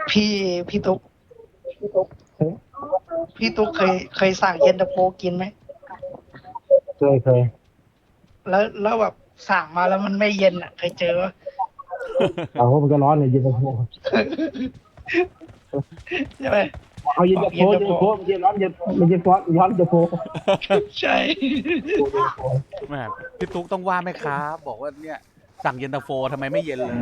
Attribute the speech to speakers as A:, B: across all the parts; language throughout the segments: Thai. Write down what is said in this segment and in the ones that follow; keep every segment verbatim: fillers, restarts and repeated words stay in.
A: พี่พี่ตุ๊กพี่ตุ๊กเคยเคยสั่งเย็นตาโฟกินไหม
B: เคยเคย
A: แล้วแล้วแบบสั่งมาแล้วมันไม่เย็นอ่ะเคยเจอปะ
B: เอาว่ามันก็ร้อนเลยเย็นตาโฟ
A: ใช่ไหม
B: เอาเย็น
A: บอก
B: ตาโฟ
A: เย็นตาโฟ
B: เย็นตาโฟมันเย็นร้อนเย็นมันเย็นร้อนร้อนตาโฟ
A: ใช่
C: แม่พี่ตุ๊กต้องว่าแม่ค้าบอกว่าเนี่ยสั่งเย็นตาโฟทำไมไม่เย็นเลย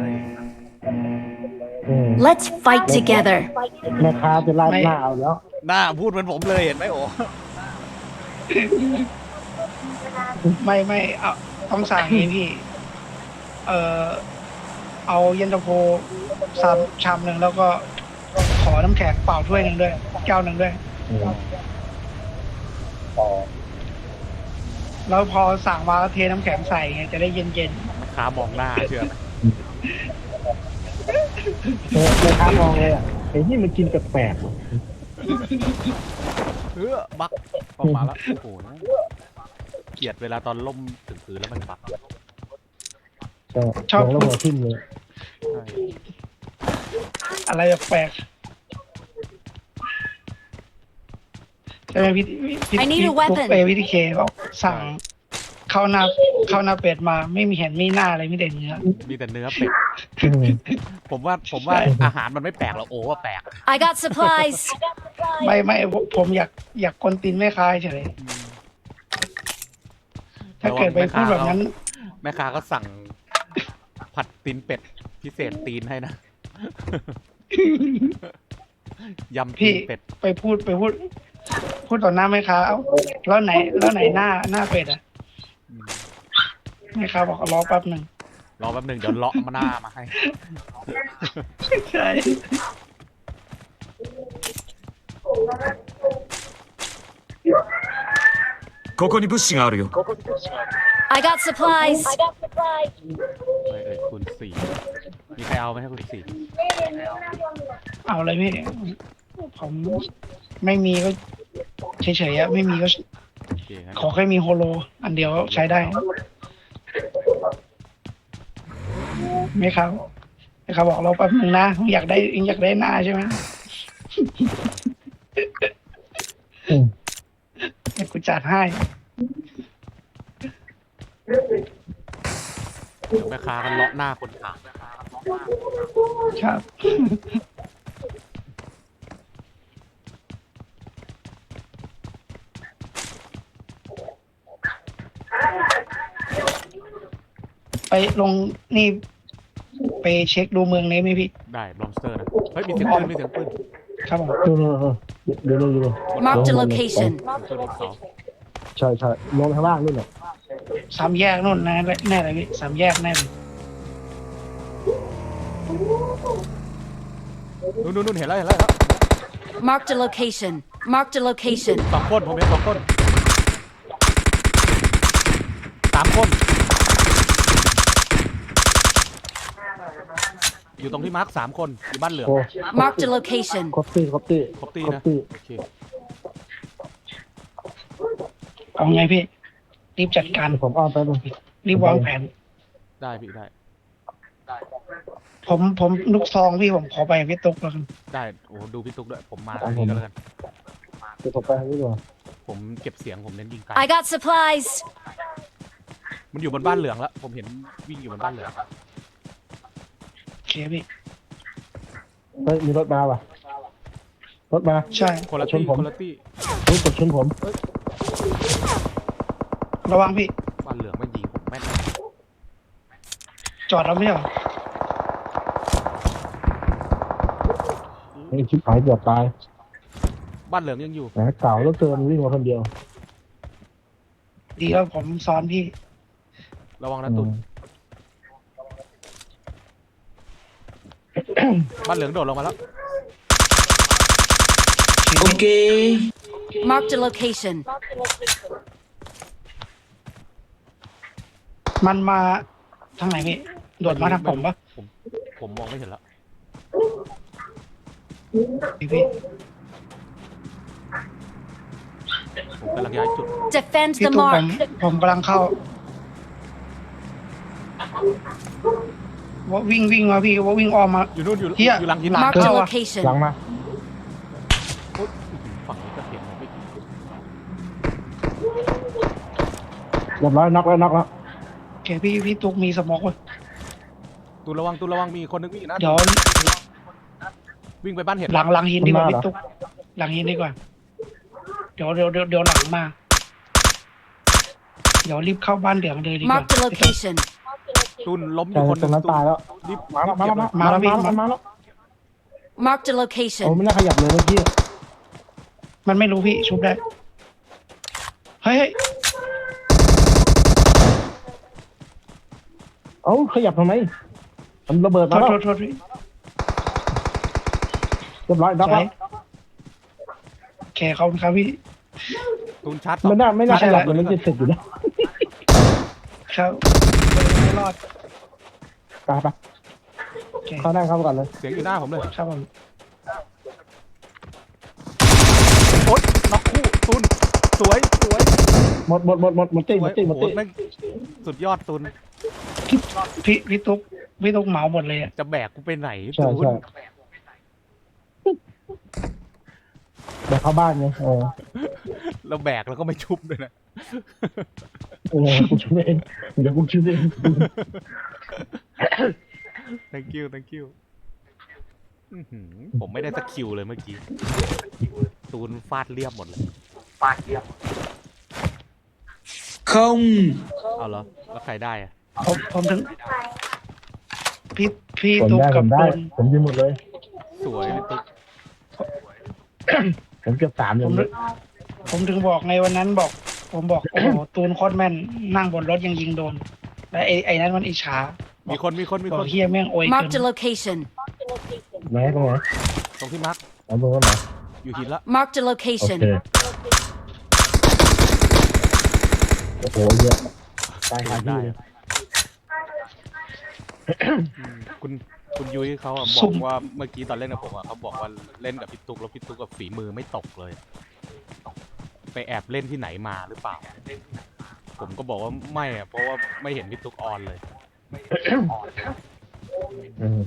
D: Let's fight together.
B: แม่ค้าจะไล่
A: ไม่
B: หน้าเอาแล้ว
C: หน้าพูดเหมือนผมเลยเห็นไหมโอ้
A: ไม่ไม่เอาต้องสั่งอย่างนี้พี่ เออเอาเย็นตาโฟสามชามหนึ่งแล้วก็ขอน้ำแข็งเปล่าถ้วยหนึ่งด้วยแก้วหนึ่งด้วย แล้วพอสั่งมาก็เทน้ำแข็งใส่ไงจะได้เย็น
C: แม่ค้ามองหน้าเชื่อไหม
B: แม่ค้ามองเลยอ่ะไอ้นี่มันกินแปลก
C: เออบักออกมาแล้วโอ้โหเกลียดเวลาตอนล่มถึงพื้นแล้วมันบัก
B: ๆใช่ชอบแล้วหัวทิ่มเลย
C: ใช่
A: ๆอะไรแปลกๆใช่ไหมพี่พี่
D: I need
A: พี่
D: a
A: ตุ๊ก
D: weapon
A: เอวิธีเคบอกสั่งข้าวหน้าข้าวหน้าเป็ดมาไม่มีเห็นมีหน้าอะไรไม่เด่นเนื้อ
C: มีแต่เนื้อเป็ด
B: อืม
C: ผมว่าผมว่า
A: ใช่
C: อาหารมันไม่แปลกหรอกโอ้ว่าแปลก
D: I got supplies.
A: ไม่ไม่ผมผมอยากอยากคนตีนแม่ค้าเฉยถ้าเกิดไปพูดแบบนั้น
C: แม่ค้าก็สั่งผัดตีนเป็ดพิเศษตีนให้นะ ยำตี
A: พี่
C: นเป็ด
A: ไปพูดไปพูด พูดต่อหน้าแม่ค้าเอ้าแล้วไหนแล้วไหนหน้าหน้าเป็ดอ่ะ
C: อืม
A: แม่ค้าบอกรอแป๊บหนึ่ง
C: รอแป๊บหนึ่งเดี๋ยวเลาะมาหน้ามาให้
A: ใช่
E: ここに物資があるよ。
D: I got supplies.
C: เอ้ยเอ้ยคุณสี่มีใครเอาไหมให้คุณสี่
A: เอาเลยพี่ผมไม่มีก็เฉยๆอะไม่มีก็
C: โอเคงั้น
A: ขอแค่มีโฮโล อันเดียวใช้ได้ไม่ครับไม่ครับบอกเราแป๊บนึงนะอยากได้อยากได้หน้าใช่ไหม
B: อืม
A: เดี๋ยวกูจัดให้
C: เดี๋ยวแม่ค้ากันเลาะหน้าคนขาย
A: ครับ ไปลงนี่ ไปเช็คดูเมืองนี้ไหมพี่
C: ได้บลอมสเตอร์นะเฮ้ยมีเสียงปืนมีเสียงปืน
A: ครับผม
B: เออเดี๋ยวเดี๋ยวเดี๋ยว
D: Marked a location.
C: บนต้นเขา
B: ใช่ใช่ลงข้างล่างนี่แหละ
A: สามแยกนู่นนะแน่เลยพี่สามแยกแน่เลย
C: นู่นนู่นนู่นเห็นแล้วเห็นแล้วเห็นแล้ว
D: Marked a location. Marked a location.
C: สองคนผมเห็นสองคนสามคน อยู่ตรงที่มาร์คสามคนอยู่บ้านเหลือง
B: โอ้
D: Marked a location.
B: ครบตี้ครบตี้
C: ครบตี
B: ครบ
C: นะ
B: ตี้
C: โอเค
A: เอาไงพี่ รีบจัดการ
B: ผมอ้อมไปเลย
A: รีบวางแผน
C: ได้พี่ได้
A: ผมผมลูกซองพี่ผมขอไปกับพี่ตุ๊กแล้วกัน
C: ได้โอ้ดูพี่ตุ๊กด้วยผมมาทางนี้ก็แล้วกัน
B: เดี๋ยวผมไปทางนี้ดีกว่า
C: ผมเก็บเสียงผมเน้นยิงไกล
D: I got supplies.
C: มันอยู่บนบ้านเหลืองแล้วผมเห็นวิ่งอยู่บนบ้านเหลือง
A: โอเคพี่
B: เฮ้ยมีรถมาว่ะรถมา
A: ใช่
C: คนละ
B: ชน
C: ตี้
B: ผม
C: คนละตี้
B: รู้กดชนผม
A: ระวังพี่
C: บ้านเหลืองไม่ยิงผมแม่น
A: จอดแล้วไม่ใช่เหรอ
B: ไอ้ชิบหายเกือบตาย
C: บ้านเหลืองยังอยู่
B: แหมเก่าแล้วเกินวิ่งมาคนเดียว
A: ดีแล้วผมซ้อนพี่
C: ระวังนะตุ่นบ้านเหลืองโดดลงมาแล้ว
D: Marked a location.
A: มันมาทางไหนพี่โดดมาทางผมปะ
C: ผมผมมองไม่เห็นแล้ว
A: พี่พี่
C: ผมกำลังย้ายจุด
D: Defend
A: พี่
D: the
A: ตุ๊กผม
D: mark.
A: ผมกำลังเข้าว่าวิ่งวิ่งมาพี่ว่าวิ่งออกมา
C: อยู่นู่นอยู่
A: เหี้ย
C: อยู่หลังหินหลัง
D: Marked a
A: เข้าอะ
D: location.
B: หลังมา
C: อุ๊ยฝั่งนี้ก็เสียงมันไม่
B: เรียบร้อยน็อกแล้วน็อกแล้ว
A: โอเคพี่พี่ตุ๊กมีสโมอกไว้
C: ตูนระวังตูนระวังมีคนนึงวิ่งอยู่นะ
A: เดี๋ยว
C: วิ่งไปบ้านเห็ด
A: หลังหลังหินดีกว่าพี่ตุ๊กหลังหินดีกว่าเดี๋ยวเดี๋ยวเดี๋ยวเดี๋ยวหลังมา เดี๋ยวรีบเข้าบ้านเหลืองเลยดีกว่า
D: Marked a location.
C: ตูนล้มอ
B: แต่
C: ยู่คนห
B: ตร
C: นึ
B: ง
C: ง
B: นั้นตายแล้ว
C: รีบ
B: มาแล้วมาแล้ว
A: มาแล้วพี่
B: มาแล้วมาแล้ว
D: Marked a
B: โอ้
D: location.
B: ไม่น่าขยับเลยเมื่อกี้
A: มันไม่รู้พี่ชุบได้เฮ้ยเฮ้ย
B: เอ้าขยับทำไมมันระเบิด
A: โท
B: มา
A: ษ
B: แล้ว
A: โทษโทษพี่
B: เรียบร้อยน็อกแล้ว
A: โอเคขอบคุณครับพี่
C: ตูนชัด
B: ไม่น่าไม่น่า
A: ไม่ใช่
B: ขยับ
A: ละ
B: เลยมันจะเสร็จอยู่แล้ว
A: ครับไม่รอด
B: ไปไป
A: โอเค
B: เข้าได้เข้าก่อนเลย
C: เสียงอยู่หน้าผมเลย
A: ครับผม
C: โอ๊ยน็อกคู่ตูนสวยสวย
B: หมดหมดหมดหมดหมด
C: ส
B: ตี้หม
C: วย
B: ดตี้หม
C: โอ้
B: ด
C: โห
B: ตี้
C: แม่งสุดยอดตูน
A: พี่พี่พี่ตุ๊กพี่ตุ๊กเหมาหมดเลยอะ
C: จะแบกกูไปไหน
B: ใช่
C: ตูน
B: ใช่เดี๋ยวเข้าบ้านไงเออ
C: เราแบกแล้วก็ไม่ชุบด้วยนะ
B: เออกูช่วยเองเดี๋ยวกูช่วยเอง
C: thank you thank you อื้อหือผมไม่ได้สักคิวเลยเมื่อกี้ ตูนฟาดเรียบหมดเลย
E: Không.
C: เอาเหรอ แล้วใครได้อะ
A: ผมผมถึงพี่พี่
B: ผม
A: ตุ๊ก
B: ได้ผ
A: กับ
B: มได้
A: ตูน
B: ผมยิงหมดเลย
C: สวยพี่ตุ๊ก
B: ผมเก็บสามอ
A: ผ
B: ย่าม ง
A: ถึ
B: นี้
A: งผมถึงบอกไงวันนั้นบอก ผมบอกโอ้โหตูนโคตรแม่นนั่งบนรถยังยิงโดนแล้วไอ้ไอ้นั้นมันอิจฉา
C: มีคนมีคนมี
A: บ
C: ค
A: อก
C: น
A: เฮียแม่งโอยเกิ
D: Marked a
A: น
D: location.
B: ไหนตรงไหน
C: ตรงที่มาร์ค
B: เอาตรงนั้นเหรอ
C: อยู่หินละ
D: Marked a
B: โอ
D: location.
B: เคโอ้โหเยอะตายคาที่
C: ได้
B: เลย
C: อะอืมคุณคุณยุ้ยเขาอะบ
A: สุ่
C: อก
A: ม
C: ว่าเมื่อกี้ตอนเล่นกับผมอะเขาบอกว่าเล่นกับพี่ตุ๊กแล้วพี่ตุ๊กกับฝีมือไม่ตกเลย ไปแอบเล่นที่ไหนมาหรือเปล่า ผมก็บอกว่าไม่อะเพราะว่าไม่เห็นพี่ตุ๊กออนเลย
B: อืม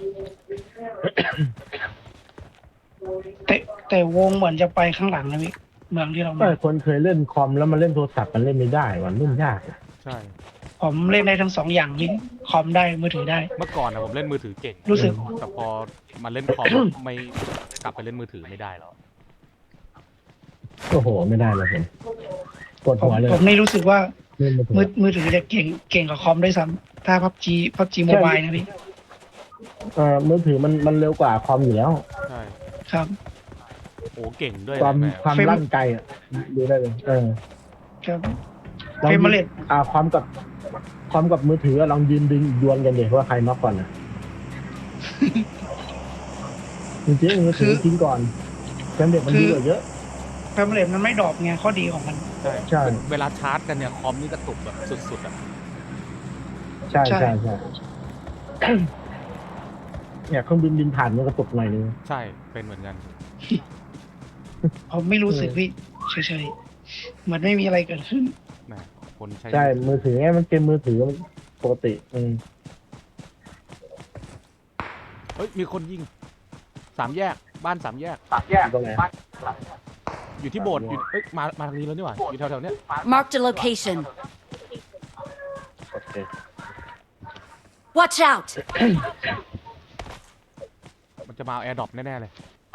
A: แต่แต่วงเหมือนจะไปข้างหลังนะพี่เมืองที่เรา
B: ก็
A: มา
B: คนเคยเล่นคอมแล้วมาเล่นโทรศัพท์มันเล่นไม่ได้มันเล่นยาก
C: ใช่
A: ผมเล่นได้ทั้งสองอย่างพี่คอมได้มือถือได้
C: เมื่อก่อนอะผมเล่นมือถือเก่ง
A: รู้สึก
C: แต่พอมาเล่นคอม ไม่กลับไปเล่นมือถือไม่ได้แล้ว
B: โอ้โหไม่ได้เลยผมปวด
A: ผม
B: หัวเลย
A: ผมนี่รู้สึกว่า
B: เล่นไม่ถูก
A: มือมือถือจะเก่งเก่งกว่าคอมด้วยซ้ำถ้าพับจีพับจีโมบายนะพี่
B: เอ่อมือถือมันมันเร็วกว่าคอมอยู่แล้ว
C: ใช่
A: ครับ
C: โอ้เก่งด้วย
B: ความ
C: นะแม่
B: ความ
A: เฟรม
B: ลั่นไกลอ่ะดูได้เลยเออ
A: ครับ
B: ลอง
A: เฟรม
B: ยืน
A: เรท
B: อ่าความกับความกับมือถือลองยืนดึงดวลกันเดี๋ยวว่าใครน็อกก่อนนะจริงๆมือถือทิ้งก่อนแฟนเด็กมันดีกว่าเยอะ
A: เฟรมเรทมันไม่ดรอปไงข้อดีของมัน
C: ใช่
B: ใช่
C: เวลาชาร์จกันเนี่ยคอมนี่กระตุกแบบสุดๆอ่ะ
B: ใช่
A: ใช่
B: ใช่ใช่ เนี่ยเครื่องบินบินผ่านมันกระตุกหน่อยนึง
C: ใช่เป็นเหมือนกัน
A: ผมไม่รู้สึกพี่เฉยๆเหมือนไม่มีอะไรเกิดขึ้น
C: แหมคนใช้
B: ใช่มือถือไงมันเกมมือถือมันปกติอืม
C: เฮ้ยมีคนยิงสามแยกบ้านสามแยก
B: ตรงไหน
C: อยู่ที่โบสถ์อยู่เอ้ยมามาทางนี้แล้วนี่หว่าอยู่แถวๆเนี้ย
D: Marked a location.
B: โอเค
D: Watch out!
C: มันจะมาเอาแอร์ดรอปแน่ๆเลย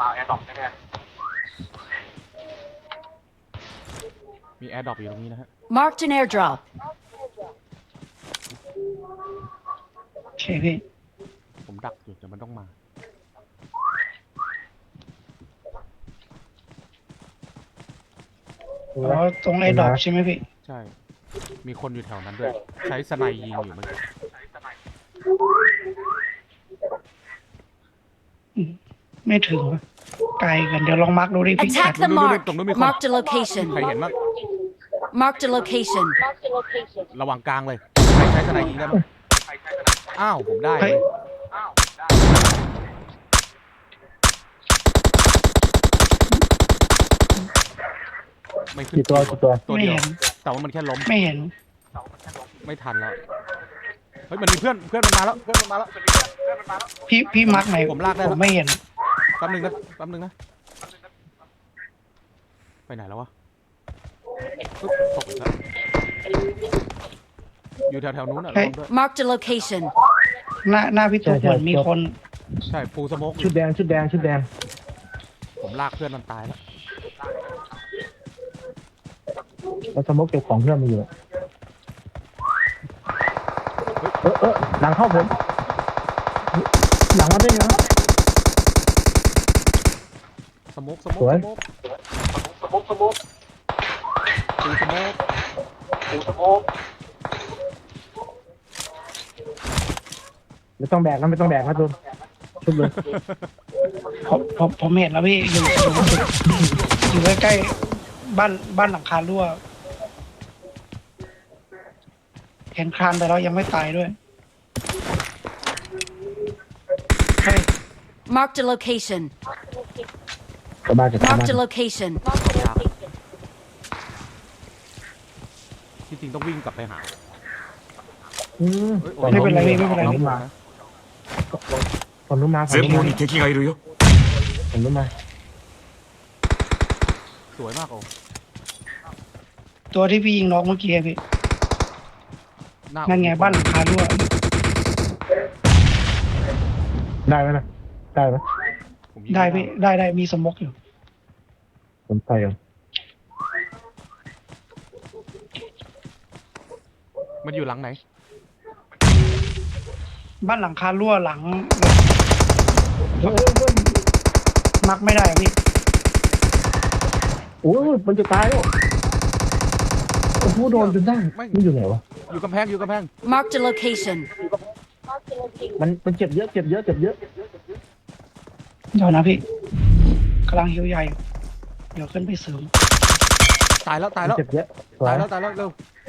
C: มีแอร์ดรอปอยู่ตรงนี้นะฮะ
D: Marked an airdrop.
A: โอเคพี่
C: ผมดักอยู่แต่มันต้องมา
A: อ๋อตรงไอ้ดรอปใช่ไหมพี่
C: ใช่ มีคนอยู่แถวนั้นด้วย ใช้สไนยิงอยู่เมื่อกี้
A: ไม่ถึงวะไกลกันเดี๋ยวลองมาร์กดูดิพี่
D: Attack the mark.
C: ตรงนู้นมีคน
D: Marked a location.
C: ใครเห็นบ้าง
D: Marked a location.
C: ระวังกลางเลย ใครใช้สไนยิงได้บ้างอ้าว ผมได้เลยไม่ขึ้น
B: กี่ตัวกี่ตัว
C: ตัว
A: ไม่
C: เดียว
A: เห็น
C: แต่ว่ามันแค่ล้ม
A: ไม่เห็น
C: ไม่ทันแล้วฮ้ยมันมีเพื่อนเพื่อนมันมาแล้วเพื่อนมันมาแล้ว
A: พี่พี่มาร์กไหน
C: ผมลากได้
A: ผ
C: แล้ว
A: มไม่เห็น
C: แป๊บนึงนะแป๊บนึงนะไปไหนแล้ววะปึ๊บตกอีกแล้วอยู่แถวๆนู้นอ่ะระวังด้วย
D: Marked a location.
A: หน้าหน้าพี่ตุ๊กเหมือนมีคน
C: ใช่ปูสโมกอ
B: ชุ
C: ยู่
B: ดแดงชุดแดงชุดแดง
C: ผมลากเพื่อนมันตายแล้ว
B: แล้วสมมติเก็บของเพื่อนมาอยู่เออเออหลังเข้าผมหลังมาได้ไงวะ
C: สโมกสโมก
B: สวย
C: สโมกสโมกสโมกปูสโมกปูสโมก
B: ไม่ต้องแบกนะไม่ต้องแบกนะตุนชุบเลย
A: ผมผมผมเห็นแล้วพี่อยู่อยู่อยู่ใกล้ๆบ้านบ้านหลังคารั่วเห็นคลานไปแล้วยังไม่ตายด้วยเฮ้ย
D: Marked a location.
B: กลับบ้านกลับบ้าน
D: Marked a location.
C: ที่จริงต้องวิ่งกลับไปหา
B: อืม
C: เอ้ยโอ้
A: ไม่เป็นไรพี่ไม่เป็นไร
B: ฝั่งนู้นมาฝั่งนู้นมาฝั่ง
E: 前
B: นู้น
E: 方
B: มา
E: に敵がいるよ。
B: ฝั่งนู้นมา
C: สวยมากโอ้
A: ตัวที่พี่ยิงน้องเมื่อกี้อะพี่
C: หน้า
A: นั่นไงบ้านหลังคารั่ว
B: ได้ไหมนะได้ไหม
C: ผมยิง
A: ได้พี่ได้ได้มีสมกอยู่
B: ผมไปอ่ะ
C: มันอยู่หลังไหน
A: บ้านหลังคารั่วหลังมักไม่ได้อะพี่
B: โอ้ยมันจะตายแล้วโอ้โหโดนจนได้
C: ไม่
B: นี่อยู่ไหนวะ
C: อยู่กำแพงอยู่กำแพง
D: Marked a location.
B: มันมันเจ็บเยอะเจ็บเยอะเจ็บเยอะ
A: เดี๋ยวนะพี่กำลังหิวใหญ่อยู่เดี๋ยวขึ้นไปเสริม
C: ตายแล้วตาย
B: มัน
C: แล้ว
B: เจ็บเยอะสว
C: ตาย
B: ย
C: แล้วตายแล้วเร็ว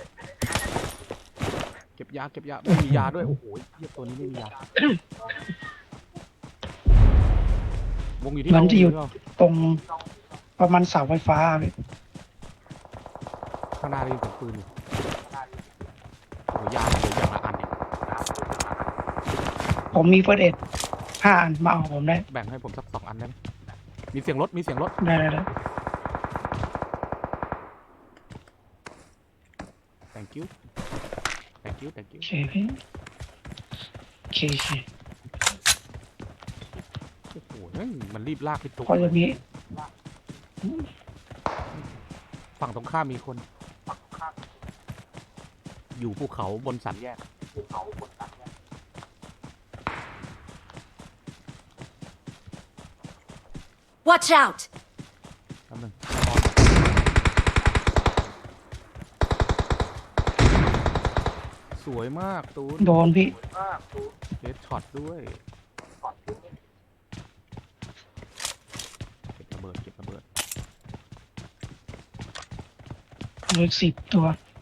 C: เก็บยาเก็บยาไม่มียาด้วยโอ้โหเทียบตัวนี้ไม่มียาวงอยู่ที่
A: มัน
C: เรา
A: จะอยู่
C: วง
A: ตรงประมาณเสาไฟฟ้าพี่
C: ข้างหน้าได้ยินเสียงปืนอยู่โอ้โหยาเหลืออย่างละอันเอง
A: ผมมีเฟิร์สเอ็ดห้าอันมาเอาผมได้
C: แบ่งให้ผมสักสองอันได้ไหมมีเสียงรถมีเสียงรถ
A: ได้ได้ได้
C: thank you thank you thank you
A: โอเคพี่โอเคโอเค
C: โอ้โหเฮ้ยมันรีบลากไปตุ๊ก
A: เพราะจะมี
C: ฝั่งตรงข้ามมีคน อยู่ภูเขาบนสันแยก
D: Watch out!
C: แป๊บนึงสวยมากตูน
A: โดนพี่
C: เฮดช็อตด้วยเก็บระเบิดเก็บระเบิด
A: เหลือสิบตัว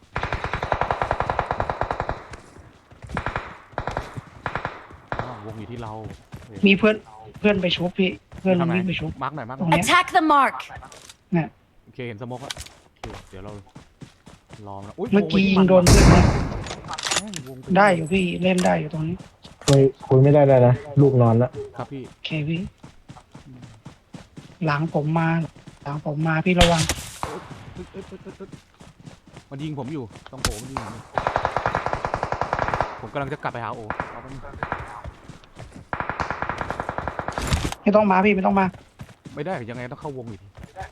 C: อ้าววงอยู่ที่เราเฮ้ย
A: มีเพื่อนเพื่อนไปชุบพี่ เพื่อนมัน
C: ทำไม
A: วิ่งไปชุบ
C: มาร์กหน่อยมาร์กห
A: ตร
C: น่
A: ง
C: อย
A: เนี้ย
D: Attack the mark.
A: เนี่ย
C: โอเคเห็นสโมกแล้วโอเคเดี๋ยวเรารอนะอุ้ย
A: เมื่อกี้
C: ว
A: ยิ
C: ไป
A: ง
C: ที่
A: โดนเพื่อนนะ
C: แม่งวงป
A: ได้อยู่พี่เล่นได้อยู่ตรงนี้
B: คุยคุยไม่ได้เลยนะลูกนอนแล้ว
C: ครับพี่
A: โอเคพี่ หลังผมมา หลังผมมาพี่ระวัง
C: เอ้ยเอ้ยเอ้ยเอ้ยเอ้ยมันยิงผมอยู่ตรงโอมันยิงผมอยู่ผมกำลังจะกลับไปหาโอเอาไปบนึง
A: ไม่ต้องมาพี่ไม่ต้องมา
C: ไม่ได้ยังไงต้องเข้าวงอีก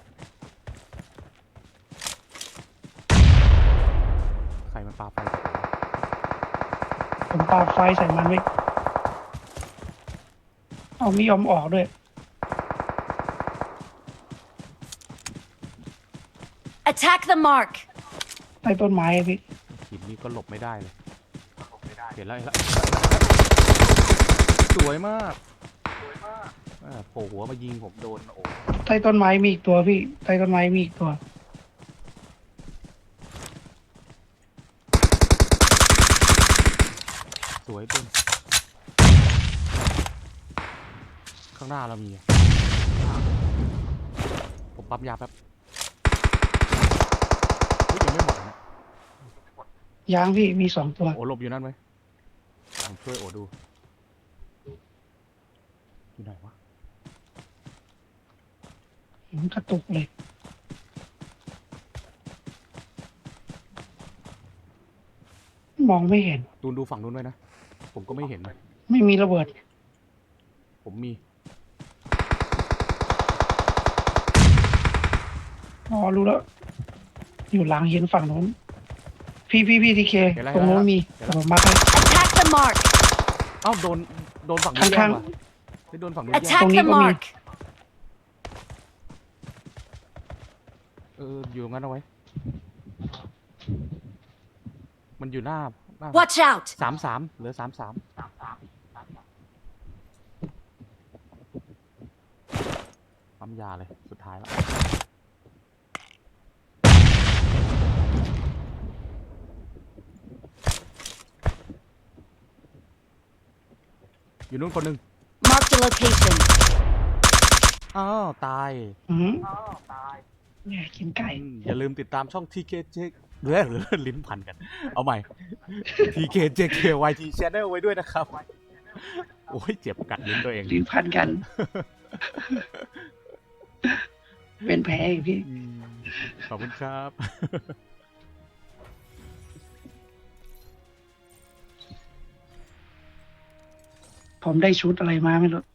C: ใครมันปาไฟ
A: ผมปาไฟใส่มันไว้เอาไม่ยอมออกด้วย
D: Attack the mark.
A: ใต้ต้นไม้อะพี่
C: หินนี้ก็หลบไม่ได้เลยเห็นแล้วเห็นแล้วสวยมากอ่าโผล่หัวมายิงผมโดนโอ้
A: ใต้ต้นไม้มีอีกตัวพี่ใต้ต้นไม้มีอีกตัว
C: สวยเป็นข้างหน้าเรามีอะผมปั๊มยาแป๊บเฮ้ยยังไม่หมดนะ
A: ยางพี่มีสองตัว
C: โอ้หลบอยู่นั่นไหมช่วยโอดูอยู่ไหนวะ
A: มันกระตุกเลย มองไม่เห็น
C: ตูนดูฝั่งนู้นด้วยนะ ผมก็ไม่เห็นนะ
A: ไม่มีระเบิด
C: ผมมี
A: อ๋อรู้แล้ว อยู่หลังหินฝั่งนู้น พี่พี่พี่ทีเค
C: เห็นแล้ว
A: ตรงนู้นมี
C: เห็นแล้ว
A: ผมมาให้
D: Attack the mark.
C: เอ้าโดนโดนฝั่งนู้นแย่
A: ข้าง
C: ง
A: ๆ
C: ว่ะไม่โดนฝั่งนู้นแย่ง
D: Attack the
A: Tony có
D: mark.
C: เอออยู่ตรงนั้นเอาไว้ มันอยู่หน้าหน้า
D: Watch out.
C: สามสามเหลือสามสามปั๊มยาเลยสุดท้ายแล้วอยู่นู้นคนหนึ่ง
D: Mark the location.
C: อ้าวตาย
A: อืมเนี่ยกินไก่
C: อืมอย่าลืมติดตามช่อง ที เค เจ หรือหรือลิ้นพันกัน เอาใหม่ ที เค เจ เค วาย ที Channel ไว้ด้วยนะครับ โอ้ยเจ็บกัดลิ้นตัวเอง
A: ลิ้นพันกัน เป็นแผลอีกพี่
C: อืมขอบคุณครับ
A: ผมได้ชุดอะไรมาไม่รู้